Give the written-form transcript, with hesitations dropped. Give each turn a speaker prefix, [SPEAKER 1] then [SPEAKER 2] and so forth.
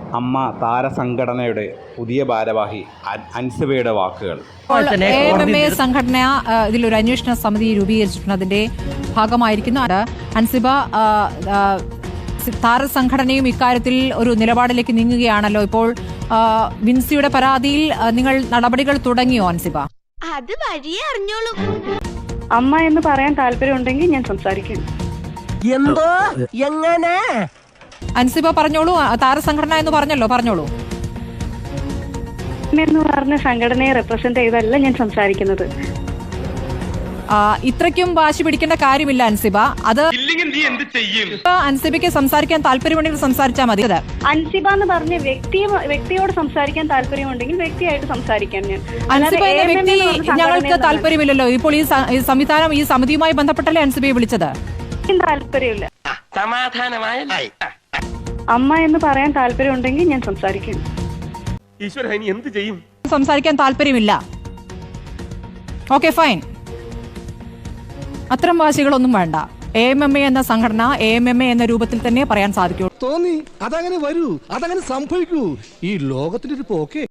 [SPEAKER 1] അമ്മ താരസംഘടനയുടെ പുതിയ ഭാരവാഹി അൻസിബയുടെ വാക്കുകൾ.
[SPEAKER 2] AMMA സംഘടന ഇതിലൊരു അന്വേഷണ സമിതി രൂപീകരിച്ചിട്ടുണ്ട്. അതിന്റെ ഭാഗമായിരിക്കുന്നു അൻസിബ. താരസംഘടനയും ഇക്കാര്യത്തിൽ ഒരു നിലപാടിലേക്ക് നീങ്ങുകയാണല്ലോ. ഇപ്പോൾ വിൻസിയുടെ പരാതിയിൽ നിങ്ങൾ നടപടികൾ തുടങ്ങിയോ അൻസിബ?
[SPEAKER 3] അത് വഴിയേ അറിഞ്ഞോളൂ.
[SPEAKER 4] അമ്മ എന്ന് പറയാൻ താല്പര്യമുണ്ടെങ്കിൽ ഞാൻ സംസാരിക്കും.
[SPEAKER 5] എന്തോ എങ്ങനെ
[SPEAKER 2] അൻസിബ പറഞ്ഞോളൂ. താരസംഘടന എന്ന് പറഞ്ഞോളൂ.
[SPEAKER 4] എന്ന് പറഞ്ഞ സംഘടനയെ റെപ്രസെന്റ് ചെയ്തല്ല ഞാൻ സംസാരിക്കുന്നത്.
[SPEAKER 2] ഇത്രയ്ക്കും വാശി പിടിക്കേണ്ട കാര്യമില്ല അൻസിബ. അത് അൻസിബയ്ക്ക് സംസാരിക്കാൻ താല്പര്യമുണ്ടെങ്കിൽ സംസാരിച്ചാൽ മതി.
[SPEAKER 4] അൻസിബ എന്ന് പറഞ്ഞ വ്യക്തിയോട് സംസാരിക്കാൻ താല്പര്യമുണ്ടെങ്കിൽ വ്യക്തിയായിട്ട് സംസാരിക്കാൻ ഞാൻ.
[SPEAKER 2] അൻസിബ എന്ന വ്യക്തി ഞങ്ങൾക്ക് താല്പര്യമില്ലല്ലോ. ഇപ്പോൾ ഈ സംവിധാനം ഈ സമിതിയുമായി ബന്ധപ്പെട്ടല്ലേ അൻസിബയെ വിളിച്ചത്?
[SPEAKER 4] താല്പര്യമില്ല. അമ്മ എന്ന് പറയാൻ താല്പര്യമുണ്ടെങ്കിൽ ഞാൻ സംസാരിക്കും.
[SPEAKER 5] എന്ത് ചെയ്യും?
[SPEAKER 2] സംസാരിക്കാൻ താല്പര്യമില്ല. Okay, fine. അത്തരം വാശികളൊന്നും വേണ്ട. AMMA എന്ന സംഘടന AMMA എന്ന രൂപത്തിൽ തന്നെ പറയാൻ സാധിക്കൂ.
[SPEAKER 6] തോന്നി അതങ്ങനെ വരൂ, അതങ്ങനെ സംഭവിക്കൂ. ഈ ലോകത്തിന്റെ ഒരു പോക്കേ.